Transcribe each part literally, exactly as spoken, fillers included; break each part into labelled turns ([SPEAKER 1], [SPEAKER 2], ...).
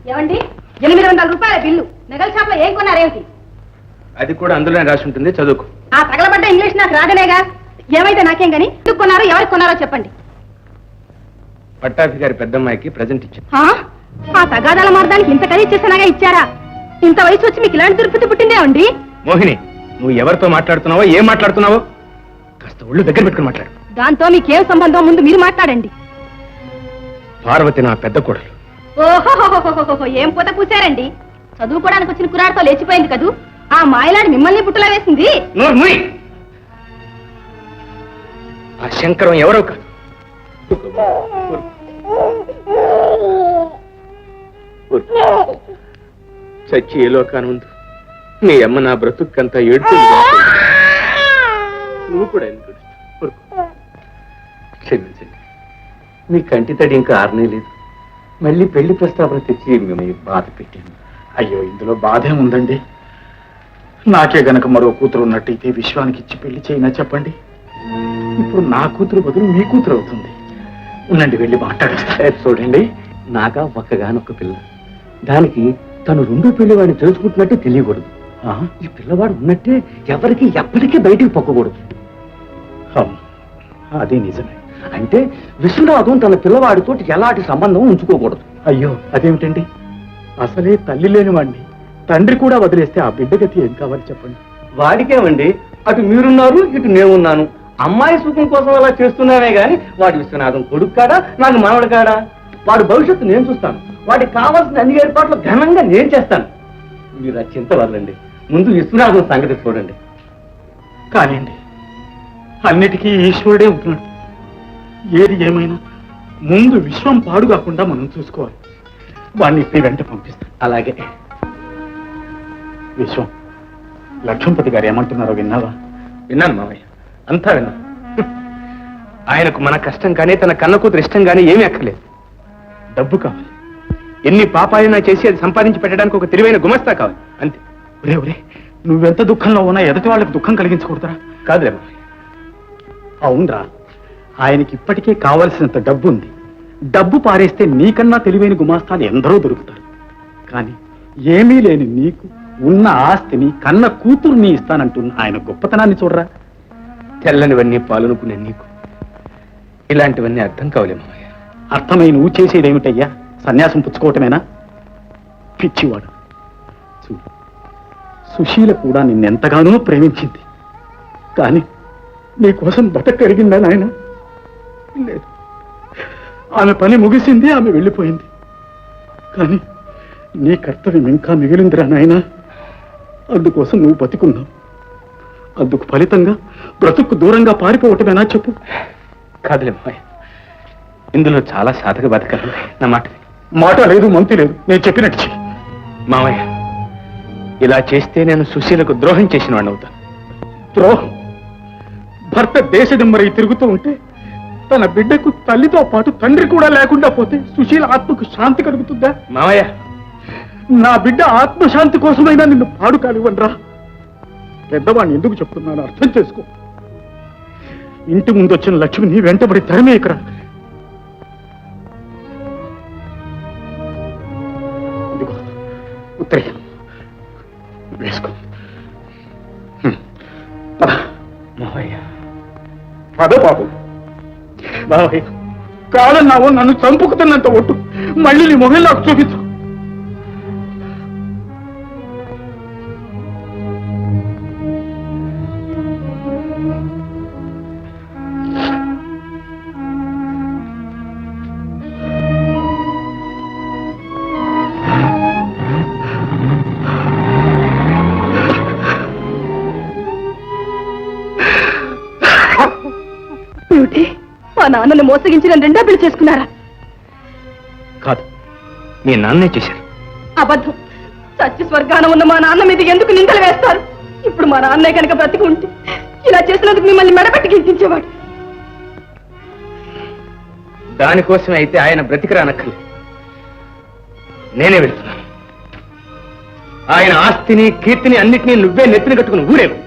[SPEAKER 1] ఏమండి ఎనిమిది వందల రూపాయల బిల్లు నగల షాప్ లో ఏం కొన్నారేమిటి?
[SPEAKER 2] అది కూడా అందులోనే రాసి ఉంటుంది, చదువుకు.
[SPEAKER 1] ఆ తగలబడ్డ ఇంగ్లీష్ నాకు రాదనేగా. ఏమైతే నాకేం గాని ఎందుకు కొన్నారో ఎవరికి కొన్నారో చెప్పండి.
[SPEAKER 2] పట్టాభి గారి పెద్దమ్మాయికి ప్రజెంట్ ఇచ్చారు.
[SPEAKER 1] ఆ తగాదాల మార్గానికి ఇంత ఖరీదు చేసినాగా ఇచ్చారా? ఇంత వయసు వచ్చి మీకు ఇలాంటి దుర్పతి పుట్టిందే అండి.
[SPEAKER 2] మోహిని, నువ్వు ఎవరితో మాట్లాడుతున్నావో ఏం మాట్లాడుతున్నావో కాస్త ఒళ్ళు దగ్గర పెట్టుకుని మాట్లాడు.
[SPEAKER 1] దాంతో మీకేం సంబంధం ముందు మీరు మాట్లాడండి.
[SPEAKER 2] పార్వతి నా పెద్ద కోడలు.
[SPEAKER 1] ఓహో, ఏం పూత పూసారండి. చదువుకోవడానికి వచ్చిన కురాడతో లేచిపోయింది కదూ. ఆ మాయలాడి మిమ్మల్ని పుట్టులా వేసింది.
[SPEAKER 2] ఆ శంకరం ఎవరో కాదు. చచ్చి ఏ లోకాను ఉంది నీ అమ్మ నా బ్రతుక్కంతా ఏడుతుంది. నువ్వు కూడా ఎందుకు క్షమించండి, మీ కంటి తడి ఇంకా ఆరనే లేదు. మళ్ళీ పెళ్లి ప్రస్తావన తెచ్చి మిమ్మల్ని బాధ పెట్టాను.
[SPEAKER 3] అయ్యో, ఇందులో బాధే ఉందండి. నాకే గనక మరో కూతురు ఉన్నట్టయితే విశ్వానికి ఇచ్చి పెళ్లి చేయినా చెప్పండి. ఇప్పుడు నా కూతురు బదులు మీ కూతురు అవుతుంది. ఉండండి, వెళ్ళి మాట్లాడేస్తా.
[SPEAKER 2] చూడండి, నాగా ఒక్కగానొక్క పిల్ల. దానికి తను రెండో పిల్లవాడిని తెలుసుకుంటున్నట్టే తెలియకూడదు. ఈ పిల్లవాడు ఉన్నట్టే ఎవరికి ఎప్పటికీ బయటికి పొక్కకూడదు.
[SPEAKER 3] అదే నిజమే.
[SPEAKER 2] అంటే విశ్వనాథం తన పిల్లవాడితో ఎలాంటి సంబంధం ఉంచుకోకూడదు.
[SPEAKER 3] అయ్యో, అదేమిటండి? అసలే తల్లి లేని వాడిని తండ్రి కూడా వదిలేస్తే ఆ బిడ్డ గతి ఏం కావాలి చెప్పండి.
[SPEAKER 2] వాడికేమండి, అటు మీరున్నారు ఇటు నేనున్నాను. అమ్మాయి సుఖం కోసం అలా చేస్తున్నానే గాని వాడి విశ్వనాథం కొడుకు కాడా, నాకు మనవడు కాడా? వాడి భవిష్యత్తు నేను చూస్తాను. వాడికి కావాల్సిన అన్ని ఏర్పాట్లు ఘనంగా నేను చేస్తాను. మీరు ఆ చింత వదలండి, ముందు విశ్వనాథం సంగతి చూడండి.
[SPEAKER 3] కానివ్వండి, అన్నిటికీ ఈశ్వరుడే ఉంటున్నాడు. ఏది ఏమైనా ముందు విశ్వం పాడు కాకుండా మనం చూసుకోవాలి. వాడిని ఇప్పుడు వెంట పంపిస్తాం.
[SPEAKER 2] అలాగే.
[SPEAKER 3] విశ్వం, లక్ష్మీపతి గారు ఏమంటున్నారో విన్నావా?
[SPEAKER 2] విన్నాను మావయ్య, అంతా విన్నాను. ఆయనకు మన కష్టం కానీ తన కన్న కూతురు ఇష్టం కానీ ఏమీ అక్కర్లేదు.
[SPEAKER 3] డబ్బు కావాలి.
[SPEAKER 2] ఎన్ని పాపాలైనా చేసి అది సంపాదించి పెట్టడానికి ఒక తెలివైన గుమస్తా కావాలి, అంతే.
[SPEAKER 3] ఒరే ఒరే, నువ్వెంత దుఃఖంలో ఉన్నా ఎదుటి వాళ్ళకి దుఃఖం కలిగించకూడదురా.
[SPEAKER 2] కాదులే.
[SPEAKER 3] అవునరా, ఆయనకి ఇప్పటికే కావలసినంత డబ్బు ఉంది. డబ్బు పారేస్తే నీకన్నా తెలివైన గుమాస్తాలు ఎందరో దొరుకుతారు. కానీ ఏమీ లేని నీకు ఉన్న ఆస్తిని కన్న కూతుర్ని ఇస్తానంటున్న ఆయన గొప్పతనాన్ని చూడరా.
[SPEAKER 2] తెల్లనివన్నీ పాలనుకునే నీకు ఇలాంటివన్నీ అర్థం కావలే మామయ్య.
[SPEAKER 3] అర్థమై నువ్వు చేసేదేమిటయ్యా? సన్యాసం పుచ్చుకోవటమేనా? పిచ్చివాడు. చూడు, సుశీల కూడా నిన్నెంతగానో ప్రేమించింది. కానీ నీకోసం బతకరిగిందా నాయన? లేదు. ఆమె పని ముగిసింది, ఆమె వెళ్ళిపోయింది. కానీ నీ కర్తవ్యం ఇంకా మిగిలిందిరా నాయన. అందుకోసం నువ్వు బతికున్నావు. అందుకు ఫలితంగా బ్రతుకు దూరంగా పారిపోవటమేనా చెప్పు?
[SPEAKER 2] కాదులే మామయ్య, ఇందులో చాలా సాధక బతకాలి. నా మాట
[SPEAKER 3] మాట లేదు, మంతి లేదు. నేను చెప్పినట్టు చెయ్యి.
[SPEAKER 2] మామయ్య, ఇలా చేస్తే నేను సుశీలకు ద్రోహం చేసిన వాడిని అవుతాను.
[SPEAKER 3] ద్రోహం? భర్త దేశదిమ్మరై తిరుగుతూ ఉంటే తన బిడ్డకు తల్లితో పాటు తండ్రి కూడా లేకుండా పోతే సుశీల ఆత్మకు శాంతి కలుగుతుందా?
[SPEAKER 2] మామయ్య,
[SPEAKER 3] నా బిడ్డ ఆత్మశాంతి కోసమైనా నిన్ను పాడు కానివ్వనరా. పెద్దవాడిని ఎందుకు చెప్తున్నాను అర్థం చేసుకో. ఇంటి ముందు వచ్చిన లక్ష్మిని వెంటబడి తరిమేయకరా. ఇదిగో ఉత్తరం వేసుకో.
[SPEAKER 2] మామయ్య,
[SPEAKER 3] పద బాబు. బాబాయ్, కాదన్నావు, నన్ను చంపుకుతున్నంత ఒట్టు మళ్ళీ నీ మొహం నాకు చూపించు.
[SPEAKER 1] మా నాన్నను మోసగించిన రెండో పెళ్లి చేసుకున్నారా?
[SPEAKER 2] కాదు, మీ నాన్నే చేశారు.
[SPEAKER 1] అబద్ధం. సత్య స్వర్గాన ఉన్న మా నాన్న మీద ఎందుకు నిందలు వేస్తారు? ఇప్పుడు మా నాన్నే కనుక బ్రతికి ఉంటే ఇలా చేసినందుకు మిమ్మల్ని మెడపెట్టి గిరికించేవాడు.
[SPEAKER 2] దానికోసమే అయితే ఆయన బ్రతికిరానక్కర్లేదు. నేనే వెళ్తున్నాను. ఆయన ఆస్తిని కీర్తిని అన్నిటినీ నువ్వే నెత్తిన కట్టుకుని ఊరేవు.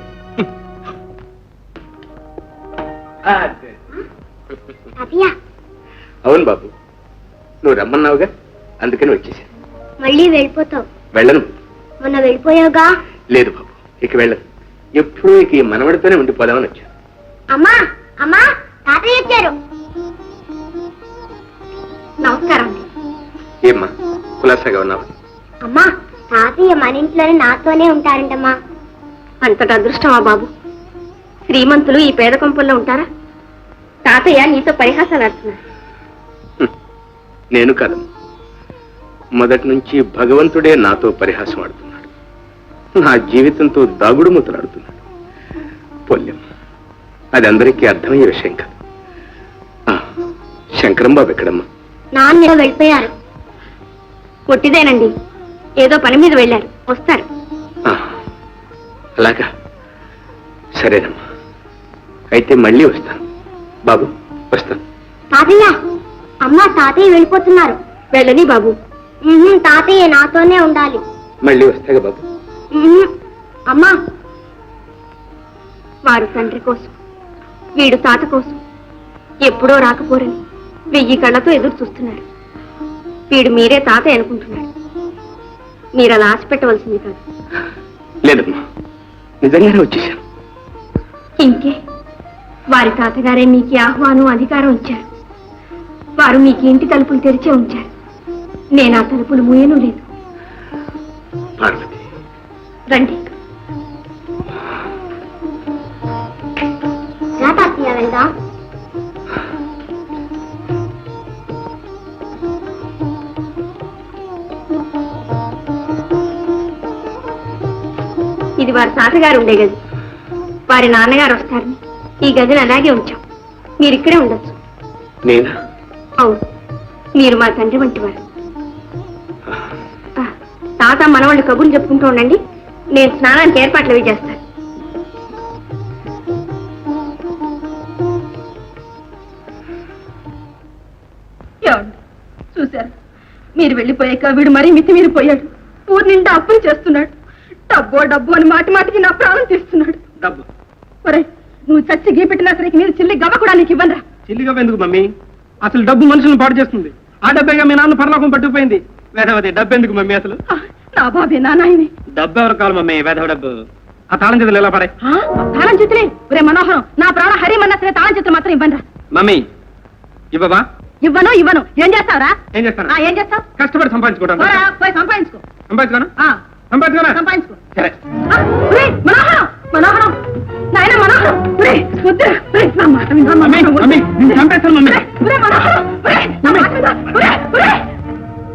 [SPEAKER 2] అవును బాబు, నువ్వు రమ్మన్నావుగా, అందుకని వచ్చేసాను.
[SPEAKER 4] మళ్ళీ వెళ్ళిపోతావు.
[SPEAKER 5] వెళ్ళను.
[SPEAKER 4] మొన్న వెళ్ళిపోయావుగా.
[SPEAKER 5] లేదు బాబు, ఇక వెళ్ళను. ఎప్పుడూ ఇక ఈ మనవడితోనే ఉండిపోదామని వచ్చాను.
[SPEAKER 4] అమ్మా అమ్మా తాతయ్య వచ్చారు. నమస్కారం.
[SPEAKER 5] ఏమ్మా కులాసాగా ఉన్నావా?
[SPEAKER 4] అమ్మా తాతయ్య మన ఇంట్లోనే నాతోనే ఉంటారంటమ్మా.
[SPEAKER 1] అంతటి అదృష్టమా బాబు? శ్రీమంతులు ఈ పేద కొంపల్లో ఉంటారా? తాతయ్య నీతో పరిహాసాలు ఆడుతున్నారు.
[SPEAKER 5] హ్మ్. నేను కాదమ్మా, మొదటి నుంచి భగవంతుడే నాతో పరిహాసం ఆడుతున్నాడు. నా జీవితంతో దాగుడు మూతలాడుతున్నాడు. పొల్యం, అది అందరికీ అర్థమయ్యే విషయం కాదు. ఆ, శంకరం బాబు ఎక్కడమ్మా?
[SPEAKER 4] నాన్న వెళ్ళిపోయారు.
[SPEAKER 1] పొట్టిదేనండి, ఏదో పని మీద వెళ్ళారు, వస్తారు.
[SPEAKER 5] ఆ, అలాగా, సరేనమ్మా, అయితే మళ్ళీ వస్తాను. బాబు వస్తాను.
[SPEAKER 4] తాతయ్య అమ్మా తాతయ్య వెళ్ళిపోతున్నారు.
[SPEAKER 1] వెళ్ళని బాబు.
[SPEAKER 4] ఉహుం, తాతయ్య నాతోనే ఉండాలి.
[SPEAKER 5] మళ్ళీ వస్తాగా బాబు.
[SPEAKER 4] ఉహుం, అమ్మా
[SPEAKER 1] వారు తండ్రి కోసం, వీడు తాత కోసం ఎప్పుడో రాకపోరని వెయ్యి కళ్ళతో ఎదురు చూస్తున్నాడు. వీడు మీరే తాతయ్య అనుకుంటున్నాడు. మీరు అలా ఆశ పెట్టవలసింది కాదు.
[SPEAKER 5] లేదమ్మా, నిజంగానే వచ్చేసాను.
[SPEAKER 1] ఇంకే, వారి తాతగారే మీకు ఈ ఆహ్వానం అధికారం ఇచ్చారు. వారు మీకు ఇంటి తలుపులు తెరిచే ఉంచారు. నేను ఆ తలుపులు మూయను లేదు.
[SPEAKER 5] పార్వతి,
[SPEAKER 1] రండి.
[SPEAKER 4] రా తాతయ్య వెళ్దాం.
[SPEAKER 1] ఇది వారి తాతగారు ఉండే గది. వారి నాన్నగారు వస్తారని ఈ గదిని అలాగే ఉంచాం. మీరు ఇక్కడే ఉండొచ్చు.
[SPEAKER 5] నేనా?
[SPEAKER 1] అవును, మీరు మా తండ్రి వంటి వారు. ఆ, తాత మనవాళ్ళు కబుర్లు చెప్పుకుంటూ ఉండండి. నేను స్నానానికి ఏర్పాట్లు అవి చేస్తాను. చూశారు, మీరు వెళ్ళిపోయాక వీడు మరీ మితిమీరిపోయాడు. ఊరి నిండా అప్పులు చేస్తున్నాడు. డబ్బో డబ్బు అని మాటి మాటికి నా ప్రాణం తీస్తున్నాడు.
[SPEAKER 2] డబ్బు
[SPEAKER 1] ఒరే, నువ్వు చచ్చి గీ పెట్టినా సరే మీరు చిల్లి గవ్వ కూడా నీకు ఇవ్వనరా.
[SPEAKER 2] చిల్లిగా ఎందుకు మమ్మీ? అసలు డబ్బు మనుషులను పాడు చేస్తుంది. ఆ డబ్బేగా మీ నాన్న పరలోకం పట్టుకుపోయింది. వేదవతి, డబ్బు ఎందుకు మమ్మీ అసలు?
[SPEAKER 1] ఆ, నా బాబే నా నాయనే.
[SPEAKER 2] డబ్బు ఎవరు కావాలి మమ్మీ? వేదవ డబ్బు. ఆ తాళం చేతులు ఎలా పడే?
[SPEAKER 1] ఆ, తాళం చేతులే. ఒరే మనోహరం, నా ప్రాణ హరిమన్నా సరే తాళం చేతులు మాత్రం ఇవ్వనరా.
[SPEAKER 2] మమ్మీ ఇవ్వబా?
[SPEAKER 1] ఇవ్వను ఇవ్వను. ఏం చేస్తావురా?
[SPEAKER 2] ఏం చేస్తాను?
[SPEAKER 1] ఆ, ఏం చేస్తావు?
[SPEAKER 2] కష్టపడి సంపాదించుకుంటాను.
[SPEAKER 1] పోరా, పోయి సంపాదించుకో.
[SPEAKER 2] సంపాదించుకోనా?
[SPEAKER 1] ఆ,
[SPEAKER 2] సంపాదించుకోనా?
[SPEAKER 1] సంపాదించుకో.
[SPEAKER 2] సరే.
[SPEAKER 1] ఆ, ఒరేయ్, మనోహరం మనోహరం నాయన మనోహరం. ఒరేయ్, వద్దురా. ఒరేయ్, నా మాట విను, నా
[SPEAKER 2] మమ్మీ
[SPEAKER 1] మాట విను.
[SPEAKER 2] మమ్మీ నేను చంపేస్తాను మమ్మీ.